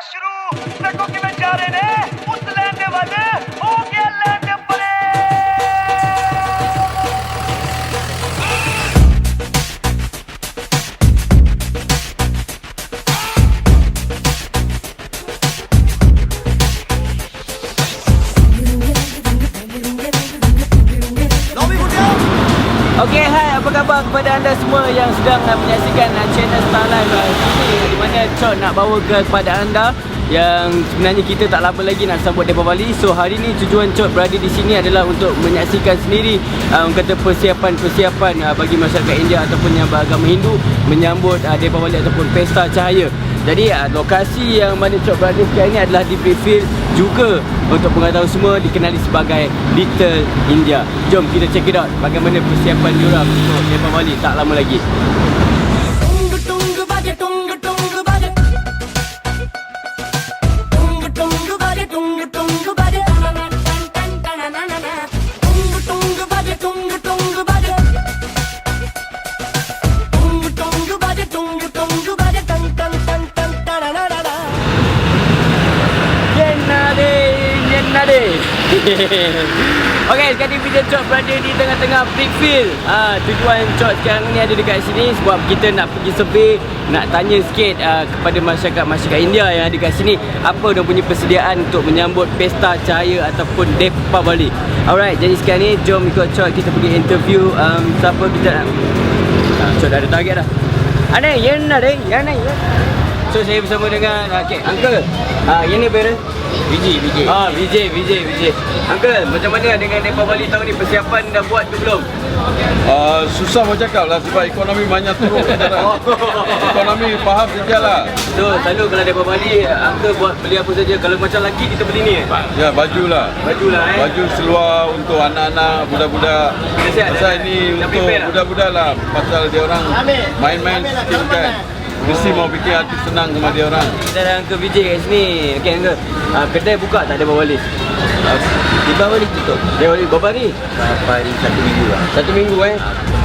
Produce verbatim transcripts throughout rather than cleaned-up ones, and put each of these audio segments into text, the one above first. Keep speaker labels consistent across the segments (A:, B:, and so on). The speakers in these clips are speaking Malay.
A: शुरू ट्रकों की में जा रहे ने उस लैंड वाले हो गया लैंड परे
B: Okey, hai, apa khabar kepada anda semua yang sedang uh, menyaksikan uh, channel Star Life uh, ini, di mana Chot nak bawa ke kepada anda yang sebenarnya kita tak lama lagi nak sambut Depa Bali. So hari ni tujuan Chot berada di sini adalah untuk menyaksikan sendiri uh, orang kata persiapan-persiapan uh, bagi masyarakat India ataupun yang beragama Hindu menyambut uh, Depa Bali ataupun Pesta Cahaya. Jadi uh, lokasi yang mana Chot berada sekarang ni adalah di Brickfield, juga untuk pengetahuan semua dikenali sebagai Little India. Jom kita check it out bagaimana persiapan diorang untuk Depa Bali tak lama lagi. Okey, sekarang ni video Chot berada di tengah-tengah Brickfield. Ha, tujuan Chot sekarang ni ada dekat sini sebab kita nak pergi survey, nak tanya sikit uh, kepada masyarakat-masyarakat India yang ada dekat sini apa dia punya persediaan untuk menyambut Pesta Cahaya ataupun Depa Bali. Alright, jadi sekarang ni jom ikut Chot kita pergi interview um, siapa kita nak. Ha, Chot dah ada target dah. Ada yang ada, yang ada. So saya bersama dengan okey, uncle. Ah, ini ber Vijay, Vijay. Ah, Vijay, Vijay, Vijay. Uncle, macam mana dengan Depa Bali tahun ni, persiapan dah buat ke belum?
C: Uh, susah mau cakap lah sebab ekonomi banyak turun sekarang. Ekonomi faham saja lah.
B: So, selalu kalau Depa Bali, Uncle buat beli apa saja. Kalau macam lelaki kita beli ni eh?
C: Ya, baju lah.
B: Baju lah eh.
C: Baju seluar untuk anak-anak, budak-budak. Pasal ini untuk budak-budak lah. Pasal dia orang main-main sikit kan. Mesti mau bikin hati senang sama dia orang.
B: Kita ada Uncle Vijay kat sini. Okey Uncle, uh, kedai buka tak Depa Bali? Uh, Depa Bali tutup. Depa Bali berapa hari?
D: Berapa hari? Satu minggu lah.
B: Satu minggu eh.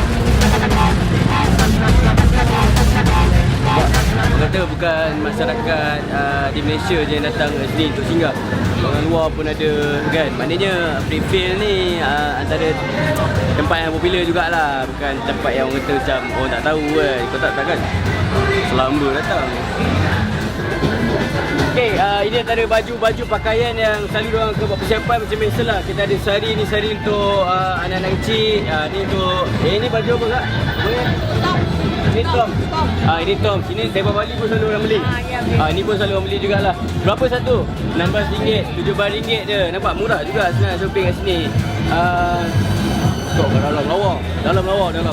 B: Kata bukan masyarakat uh, di Malaysia je yang datang ke sini untuk singgah. Orang luar pun ada kan. Maknanya Brickfield ni uh, antara tempat yang popular jugalah. Bukan tempat yang orang kata macam orang tak tahu kan. Kau tak tahu kan? Selamba datang. Okay, uh, ini antara baju-baju pakaian yang selalu orang ke buat persiapan macam biasalah. Kita ada sari ni, sari untuk uh, anak-anak kecil. Uh, ni untuk, eh ni baju apa kak? Tom. Ini Tom. Ah, ini Tom. Sini Depa Bali pun selalu orang beli. Ah, ya, ah, ni pun selalu orang beli jugalah. Berapa satu? enam belas ringgit, tujuh belas ringgit je. Nampak murah juga senang shopping kat sini. Ah, uh, kat dalam lawa. Dalam lawa, dalam.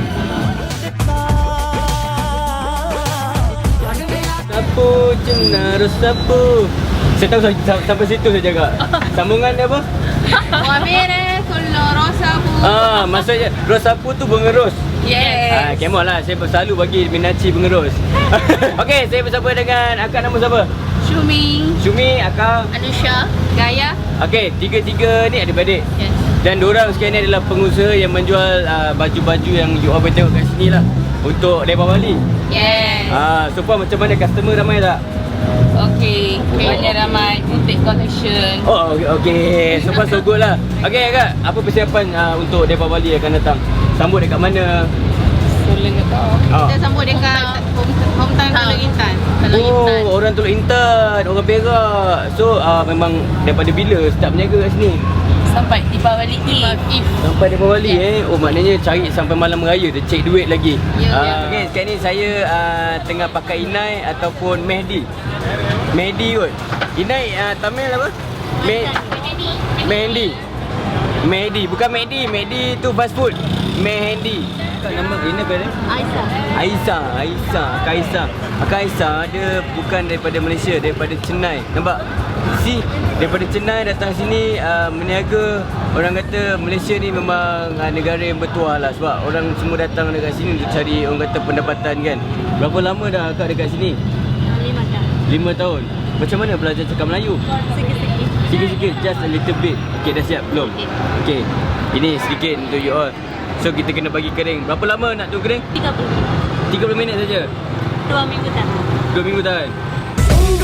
B: Sapu cenar sapu. Saya tahu sampai situ saja kak. Sambungan dia apa?
E: Muamere solo rosa bu.
B: Ah, maksudnya rosa sapu tu bunga ros.
E: Yes.
B: Ah, come on lah, saya selalu bagi minaci bunga ros. Okey, saya bersama dengan akak, nama siapa?
E: Shumi,
B: Syumi, akak.
E: Anusha, Gaya.
B: Okey, tiga-tiga ni adik-beradik.
E: Yes.
B: Dan diorang sekarang ni adalah pengusaha yang menjual uh, baju-baju yang you all boleh tengok kat sini lah untuk Depa Bali.
E: Yes.
B: Ah, so far macam mana, customer ramai tak?
E: Okay, banyak ramai boutique collection.
B: Oh, okey, okay. So far so good lah. Okey akak, apa persiapan uh, untuk Depa Bali akan datang? Sambut dekat mana?
E: Solen ke kau?
B: Ah.
E: Kita sambut dekat hometown Teluk Intan. Teluk Intan.
B: Oh, orang Teluk Intan, orang Perak. So uh, memang daripada bila start berniaga kat sini?
E: Sampai Depa Bali Eve.
B: Sampai Depa Bali yeah. eh. Oh, maknanya cari sampai malam raya tu, cek duit lagi.
E: Ya,
B: uh,
E: ya.
B: Okey, sekarang ni saya uh, tengah pakai Inai ataupun Mehdi. Mehdi kot. Inai uh, Tamil apa? Me Mehdi. Mehdi, bukan Mehdi. Mehdi tu fast food. Mehdi. Kak nama ini apa dia?
E: Aisyah.
B: Aisyah, Aisyah, Kak Aisyah. Kak Aisyah dia bukan daripada Malaysia, daripada Chennai. Nampak? Si daripada Chennai datang sini uh, meniaga. Orang kata Malaysia ni memang uh, negara yang bertuah lah sebab orang semua datang dekat sini untuk cari orang kata pendapatan kan. Berapa lama dah akak dekat sini?
E: Lima tahun.
B: Lima tahun. Macam mana belajar cakap Melayu?
E: Sikit-sikit.
B: Sikit-sikit, just a little bit. Okay, dah siap belum? Okay. Ini sedikit untuk you all. So kita kena bagi kering. Berapa lama nak tunggu kering?
E: tiga puluh.
B: tiga puluh minit saja.
E: Dua minggu tahan.
B: Dua minggu tahan.
A: Tunggu tunggu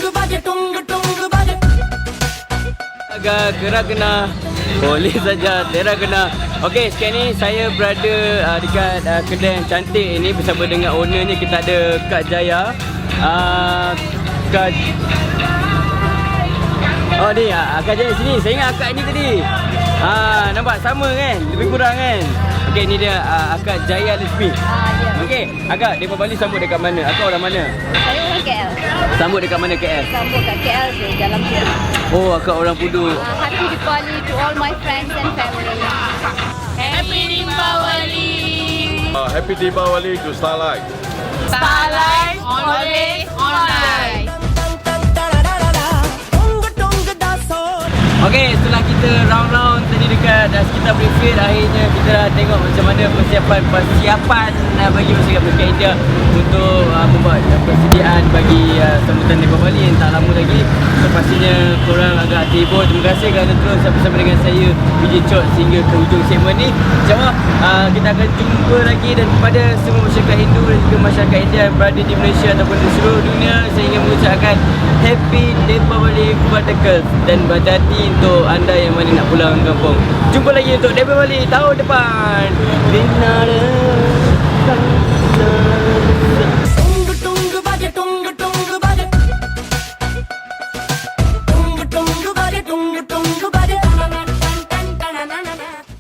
B: Agak gerak kena, boleh saja tera kena. Okey, sekarang ni saya berada uh, dekat uh, kedai yang cantik ini bersama dengan ownernya. Kita ada Kak Jaya. Uh, Kak Oh ni, uh, Kak Jaya sini. Saya ingat akak ni tadi. Ah, nampak sama kan? Lebih kurang kan? Okey, ni dia uh, Akak Jaya Lesmi.
F: Ah, ya.
B: Okey, akak daripada Bali sambut dekat mana? Akak orang mana?
F: Saya orang K L.
B: Sambut dekat mana K L?
F: Sambut kat K L je, dalam dia.
B: Oh, akak orang Pudu.
F: Uh, happy Diwali to all my friends and family.
E: Happy Diwali.
C: Uh, happy Deepawali to Starlight.
E: Starlight, always online.
B: Okey, setelah kita round-round tadi dekat uh, sekitar Brickfield, akhirnya kita dah tengok macam mana persiapan persiapan uh, bagi masyarakat India untuk uh, membuat uh, persediaan bagi uh, sambutan Depa Bali yang tak lama lagi. So pastinya korang agak terhibur. Terima kasih kerana terus bersama dengan saya V J Chot sehingga ke hujung segmen ni. InsyaAllah uh, kita akan jumpa lagi, dan kepada semua masyarakat Hindu dan juga masyarakat India yang berada di Malaysia ataupun di seluruh dunia, saya ingin mengucapkan Happy Depa Bali kepada Kels, dan berhati-hati untuk anda yang mana nak pulang kampung. Jumpa lagi untuk Depa Bali tahun depan. Bina